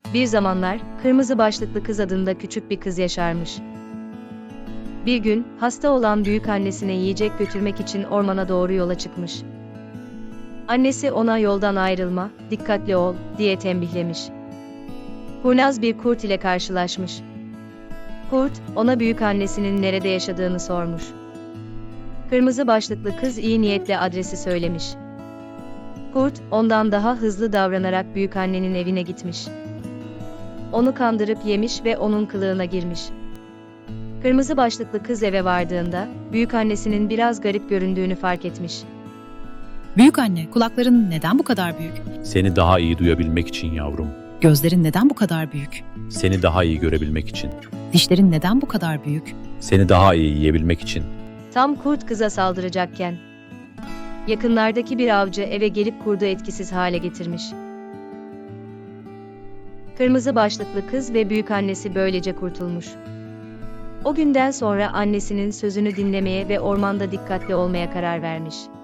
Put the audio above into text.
Bir zamanlar, kırmızı başlıklı kız adında küçük bir kız yaşarmış. Bir gün, hasta olan büyükannesine yiyecek götürmek için ormana doğru yola çıkmış. Annesi ona yoldan ayrılma, dikkatli ol, diye tembihlemiş. Kurnaz bir kurt ile karşılaşmış. Kurt, ona büyükannesinin nerede yaşadığını sormuş. Kırmızı başlıklı kız iyi niyetle adresi söylemiş. Kurt, ondan daha hızlı davranarak büyükannenin evine gitmiş. Onu kandırıp yemiş ve onun kılığına girmiş. Kırmızı başlıklı kız eve vardığında, büyükannesinin biraz garip göründüğünü fark etmiş. Büyükanne, kulakların neden bu kadar büyük? Seni daha iyi duyabilmek için yavrum. Gözlerin neden bu kadar büyük? Seni daha iyi görebilmek için. Dişlerin neden bu kadar büyük? Seni daha iyi yiyebilmek için. Tam kurt kıza saldıracakken, yakınlardaki bir avcı eve gelip kurdu etkisiz hale getirmiş. Kırmızı başlıklı kız ve büyükannesi böylece kurtulmuş. O günden sonra annesinin sözünü dinlemeye ve ormanda dikkatli olmaya karar vermiş.